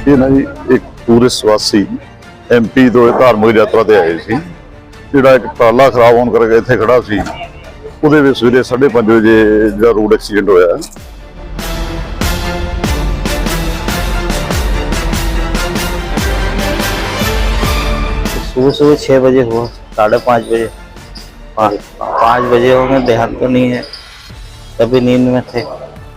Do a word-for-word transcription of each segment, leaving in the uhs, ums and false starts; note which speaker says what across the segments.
Speaker 1: ਇਹ ਨਾ ਜੀ ਇੱਕ ਟੂਰਿਸਟ ਵਾਸੀ ਐਮਪੀ ਤੋਂ ਧਾਰਮਿਕ ਯਾਤਰਾ ਤੇ ਆਏ ਸੀ। ਜਿਹੜਾ ਇੱਕ ਟਰਾਲਾ ਖਰਾਬ ਹੋਣ ਕਰਕੇ ਇੱਥੇ ਖੜਾ ਸੀ, ਉਹਦੇ ਵਿੱਚ ਸਵੇਰੇ ਸਾਢੇ ਪੰਜ ਵਜੇ ਜਿਹੜਾ ਰੋਡ ਐਕਸੀਡੈਂਟ होया।
Speaker 2: सुबह सुबह छः बजे हुआ, साढ़े पाँच बजे पाँच बजे होंगे, ध्यान तो नहीं है, तभी नींद में थे।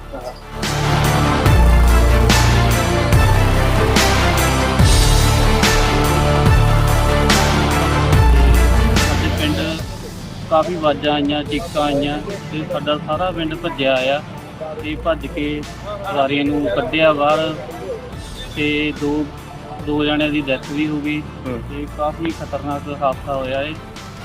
Speaker 3: पिंड काफ़ी आवाज़ा आईयां, चीकां आईयां ते साडा सारा पिंड भज्जिया आया ते भज के सारियां नूं कड्ढिया बाहर ते दो दो जणिਆਂ ਦੀ ਡੈਥ भी हो गई ते काफ़ी खतरनाक हादसा होया है।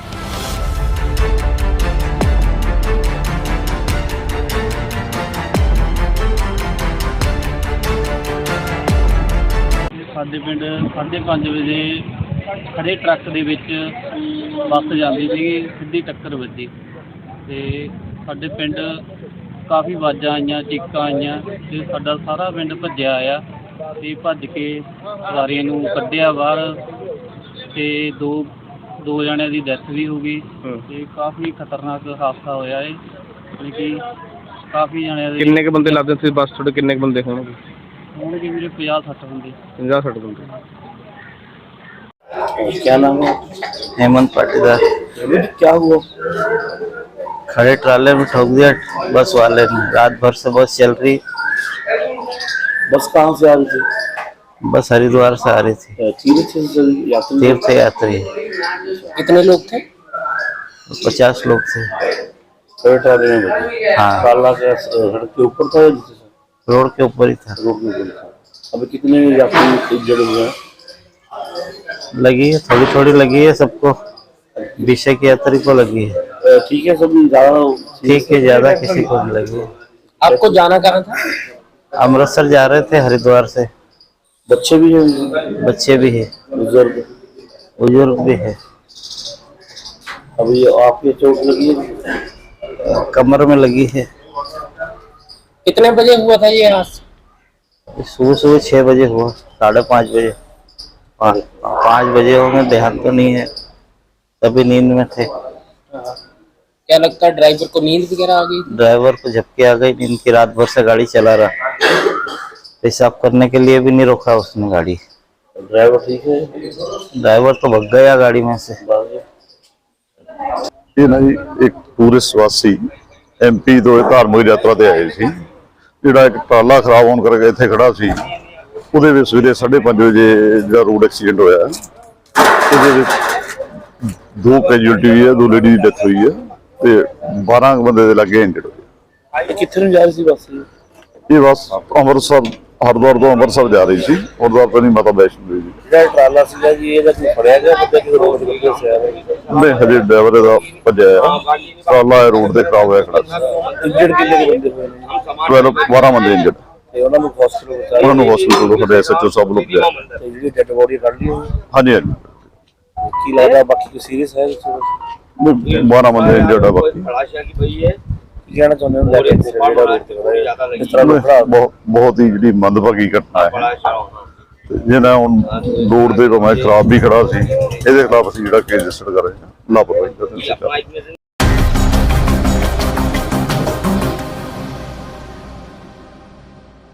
Speaker 3: साडे पिंड साढ़े पाँच बजे खड़े ट्रक दे विच बस जाती सी, सीधी टक्कर वजी ते साडे पिंड काफ़ी आवाज़ा आईयां, चीकां आईयां ते साडा सारा पिंड भज्जिया आया ते भज के सारियां नूं कड्ढिया बाहर ते दो दो जणिਆਂ ਦੀ ਡੈਥ भी हो गई ते काफ़ी खतरनाक हादसा होया है। कि काफ़ी जणिਆਂ ਦੇ
Speaker 4: किन्ने के बंदे लादे थे बस थोड़े किन्ने के बंदे होंगे?
Speaker 3: होणगे वीरे पचास सठ बंदे
Speaker 4: पचास साठ बंदे।
Speaker 2: क्या नाम है? हेमंत पाटीदार।
Speaker 4: क्या हुआ?
Speaker 2: खड़े ट्राले में ठोक दिया बस वाले ने। रात भर से बस चल रही।
Speaker 4: बस कहाँ से आ रही थी?
Speaker 2: बस हरिद्वार से आ रही थी।
Speaker 4: तीर्थ यात्री?
Speaker 2: तीर्थ यात्री।
Speaker 4: कितने लोग थे?
Speaker 2: पचास लोग थे।
Speaker 4: ट्राले में बैठे?
Speaker 2: हाँ,
Speaker 4: ट्राला के सड़क के ऊपर था या नीचे था?
Speaker 2: रोड के ऊपर ही था।
Speaker 4: रोड के ऊपर था। अभी कितने यात्री इंजर्ड हुए हैं?
Speaker 2: लगी है, थोड़ी थोड़ी लगी है सबको। विषय की यात्री को लगी है।
Speaker 4: ठीक है, सब ज्यादा
Speaker 2: ठीक है, ज्यादा किसी को नहीं लगी है।
Speaker 4: आपको जाना कहाँ था?
Speaker 2: अमृतसर जा रहे थे हरिद्वार से।
Speaker 4: बच्चे भी हैं?
Speaker 2: बच्चे भी है,
Speaker 4: बुजुर्ग
Speaker 2: बुजुर्ग भी है।
Speaker 4: अभी आपके चोट लगी है?
Speaker 2: कमर में लगी है।
Speaker 4: कितने बजे हुआ था ये हादसा?
Speaker 2: सुबह सुबह छः बजे हुआ, साढ़े पाँच बजे पाँच बजे होंगे, ध्यान तो नहीं है, तभी नींद में थे।
Speaker 4: क्या लगता है ड्राइवर को नींद वगैरह आ गई?
Speaker 2: ड्राइवर को झपकी आ गई नींद की। रात भर से गाड़ी चला रहा, पेशाब करने के लिए भी नहीं रोका उसने गाड़ी।
Speaker 4: ड्राइवर ठीक है?
Speaker 2: ड्राइवर तो भग गया गाड़ी में से।
Speaker 1: ਇਹ ਨਾ ਜੀ ਇੱਕ ਟੂਰਿਸਟ ਵਾਸੀ ਐਮਪੀ ਤੋਂ ਧਾਰਮਿਕ ਯਾਤਰਾ ਤੇ ਆਏ ਸੀ। ਜਿਹੜਾ ਇੱਕ ਟਰਾਲਾ ਖਰਾਬ ਹੋਣ ਕਰਕੇ ਇੱਥੇ ਖੜਾ ਸੀ, ਉਹਦੇ ਵਿੱਚ ਸਵੇਰੇ ਸਾਢੇ ਪੰਜ ਵਜੇ ਜਿਹੜਾ ਰੋਡ ਐਕਸੀਡੈਂਟ ਹੋਇਆ। ਉਹਦੇ ਵਿੱਚ ਦੋ ਕੈਜੂਅਲਟੀ ਹੋਈ ਹੈ, ਦੋ ਲੇਡੀ ਦੀ ਡੈਥ ਹੋਈ ਹੈ ਤੇ ਬਾਰਾਂ ਬੰਦੇ ਦੇ ਲੱਗੇ ਇੰਜਰਡ ਹੋਏ।
Speaker 4: कितने में जा रही थी बस?
Speaker 1: ਇਹ ਬੱਸ ਅੰਮ੍ਰਿਤਸਰ हरिद्वार तो अमृतसर जा रही थी। हरिद्वार तो नहीं, माता वैष्णो देवी।
Speaker 4: ट्राला सीधा जी ये कोई फड़िया गया बंदा कि रोड के ऊपर से आ रहा है?
Speaker 1: नहीं, हजे ड्राइवर का भज्या ट्राला रोड से खराब होया खड़ा।
Speaker 4: इंजर्ड कितने के बंदे हुए हैं?
Speaker 1: ट्वेल्व बारह बंदे इंजर्ड।
Speaker 4: ਤੇ ਉਹਨਾਂ ਨੂੰ ਹਸਪੀਟਲ ਪਹੁੰਚਾਇਆ?
Speaker 1: ਉਹਨਾਂ ਨੂੰ ਹਸਪੀਟਲ ਤੋਂ ਸਾਡੇ ਐਸਐਚਓ ਸਾਹਿਬ ਲੋਕ ਗਏ।
Speaker 4: ਤੇ ਜਿਹੜੀ ਡੈਡ ਬੋਡੀ ਕੱਢ ਲਈ ਹੋਈ?
Speaker 1: ਹਾਂਜੀ ਹਾਂਜੀ,
Speaker 4: ਕੀ ਲੱਗਦਾ ਬਾਕੀ ਕੋਈ ਸੀਰੀਅਸ ਹੈ?
Speaker 1: बारह बंदे इंजर्ड है बाकी।
Speaker 4: ਕੀ ਕਹਿਣਾ ਚਾਹੁੰਦੇ ਹੋ ਲੈ ਕੇ ਜਿਹੜਾ ਰੋਡ ਤੇ ਖੜਾ ਹੈ ਇਸ ਤਰ੍ਹਾਂ ਲੋਕ
Speaker 1: ਬਹੁਤ ਬਹੁਤ ਹੀ ਜਿਹੜੀ ਮੰਦਭਾਗੀ ਘਟਨਾ ਹੈ। ਜਿਹਨਾਂ ਹੁਣ ਰੋਡ ਦੇ ਭਾਵੇਂ ਖਰਾਬ ਵੀ ਖੜਾ ਸੀ, ਇਹਦੇ ਖਿਲਾਫ ਅਸੀਂ ਜਿਹੜਾ ਕੇਸ ਰਜਿਸਟਰ ਕਰ ਰਹੇ ਹਾਂ ਲਾਪਰਵਾਹੀ ਦਾ।